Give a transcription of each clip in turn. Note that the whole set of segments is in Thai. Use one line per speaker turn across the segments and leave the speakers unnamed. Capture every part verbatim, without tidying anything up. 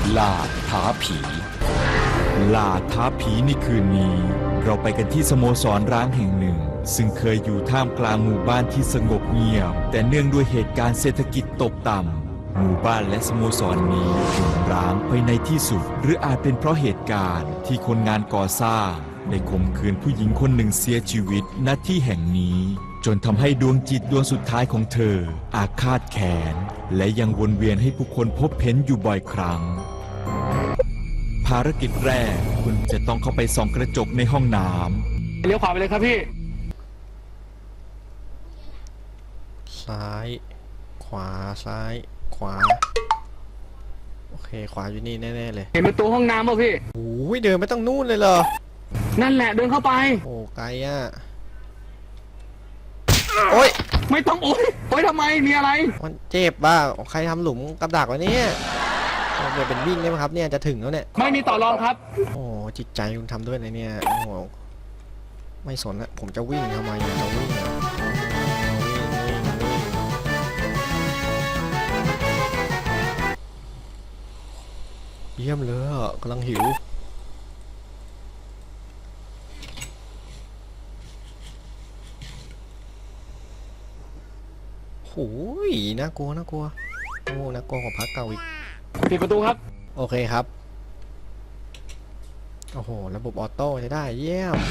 ล่าท้าผีล่าท้าผีในคืนนี้เราไปกันที่สโมสรร้างแห่งหนึ่งซึ่งเคยอยู่ท่ามกลางหมู่บ้านที่สงบเงียบแต่เนื่องด้วยเหตุการณ์เศรษฐกิจตกต่ำหมู่บ้านและสโมสรนี้ถูกร้างไปในที่สุดหรืออาจเป็นเพราะเหตุการณ์ที่คนงานก่อสร้างได้ข่มขืนผู้หญิงคนหนึ่งเสียชีวิตณที่แห่งนี้จนทำให้ดวงจิตดวงสุดท้ายของเธออาฆาตแค้นและยังวนเวียนให้ผู้คนพบเห็นอยู่บ่อยครั้งภารกิจแรกคุณจะต้องเข้าไปส่องกระจกในห้องน้ำ
เลี้ยวขวาไปเลยครับพี่
ซ้ายขวาซ้ายขวาโอเคขวาอยู่นี่แน่ๆเลย
เห็นประตูห้องน้ำป่ะพี่
โอ้ยเดินไม่ต้องนู่นเลยเหรอ
นั่นแหละเดินเข้าไป
โอ้ไกลอ่ะโอ้ย
ไม่ต้องโอ้ยโอ้ยทำไมมีอะไร
มันเจ็บบ้าใครทำหลุมกับดักไว้เนี่ยเดี๋ยวเป็นวิ่งได้ไหมครับเนี่ยจะถึงแล้วเนี่ย
ไม่มีต่อรองครับ
โอ้จิตใจคุณทำด้วยอะไรเนี่ยโอ้โหไม่สนละผมจะวิ่งทำไมจะวิ่งเยี่ยมเลยกำลังหิวโอ้ยน่ากลัวน่ากลัวโอ้น่ากลัวกว่าพักเก่าอีก
ปิดประตูครับ
โอเคครับโอ้โหระบบออโต้ใช้ได้เยี่ยม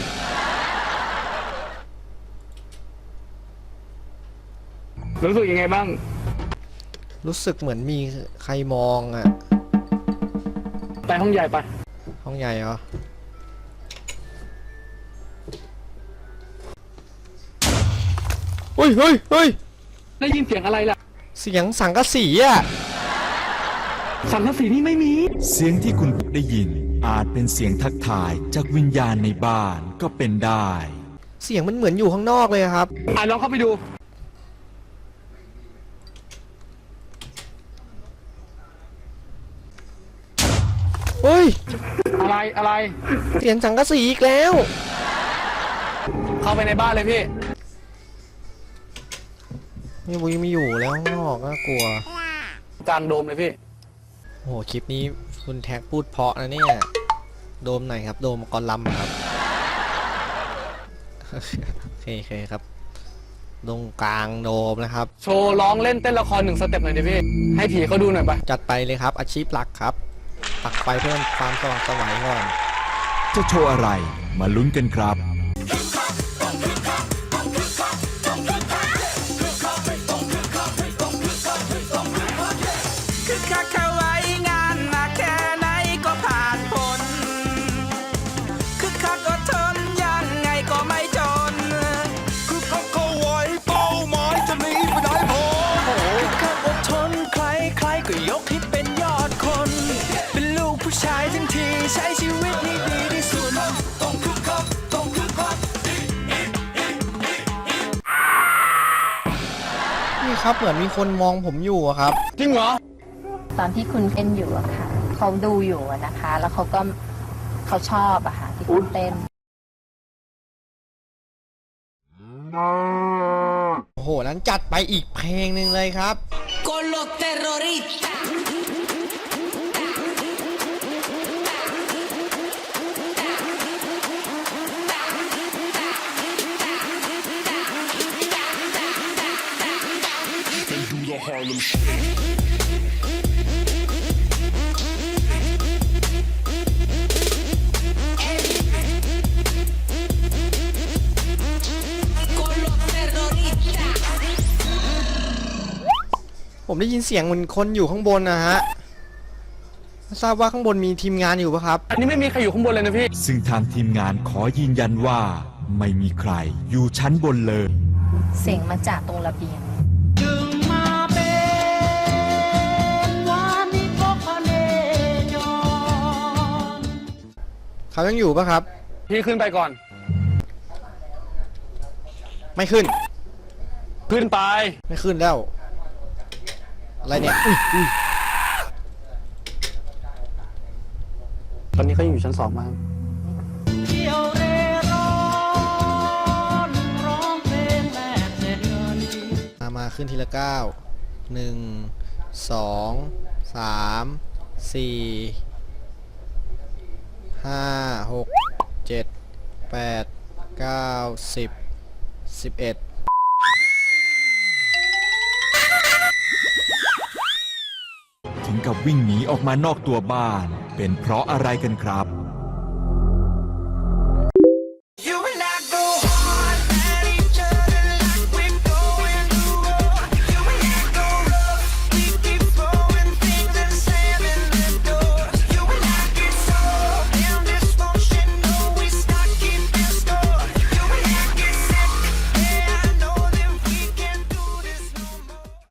รู้สึกยังไงบ้าง
รู้สึกเหมือนมีใครมองอ่ะ
ไปห้องใหญ่ไป
ห้องใหญ่เหรอเฮ้ยเฮ้ยเฮ้ย
ได้ยินเสียงอะไรล่ะ
เสียงสังกะสีอ่ะ
สังกะสีนี่ไม่มี
เสียงที่คุณได้ยินอาจเป็นเสียงทักทายจากวิญญาณในบ้านก็เป็นได้
เสียงมันเหมือนอยู่ข้างนอกเลยครับ
อ่ะลองเข้าไปดู
เฮ้ย
อะไรอะไร
เสียงสังกะสีอีกแล้ว
เข้าไปในบ้านเลยพี่
ไม่บุยไม่อยู่แล้วข้างนอกน่ากลัว
กลางโดมเลยพี่
โอ้โหคลิปนี้คุณแท็กพูดเพราะนะเนี่ยโดมไหนครับโดมกอลัมครับโอเคโอเคครับตรงกลางโดมนะครับ
โชว์ร้องเล่นเต้นละครหนึ่งสเต็ปหน่อยดิพี่ให้ผีเขาดูหน่อยไป
จัดไปเลยครับอาชีพหลักครับตักไฟเพิ่มความสว่างสวยก่อน
จะโชว์อะไรมาลุ้นกันครับ
ใช้ชีวิตให้ดีที่สุดต้องคึกคักต้องคึกคักนี่ครับเหมือนมีคนมองผมอยู่อะครับ
จริงเหรอ
ตอนที่คุณเต้นอยู่อะค่ะเขาดูอยู่นะคะแล้วเขาก็เขาชอบอะค่ะที่คุณเต้น
โอ้โหนั้นจัดไปอีกเพลงหนึ่งเลยครับ
Con los terroristas
Harlem Shake ผมได้ยินเสียงเหมือนคนอยู่ข้างบนนะฮะไม่ทราบว่าข้างบนมีทีมงานอยู่ปะครับ
อันนี้ไม่มีใครอยู่ข้างบนเลยนะพี่
ซึ่งทางทีมงานขอยืนยันว่าไม่มีใครอยู่ชั้นบนเลย
เสียงมาจากตรงระเบียง
เขายังอยู่ปะครับ
พี่ขึ้นไปก่อน
ไม่ขึ้น
ขึ้นไป
ไม่ขึ้นแล้วอะไรเนี่ยอุ้ยอุ้ย
ตอนนี้เขาอยู่ชั้นสองมา
มามาขึ้นทีละเก้าหนึ่งสองสามสี่ห้าหกเจ็ดแปดเก้าสิบสิบเอ็ด
ถึงกับวิ่งหนีออกมานอกตัวบ้าน เป็นเพราะอะไรกันครับ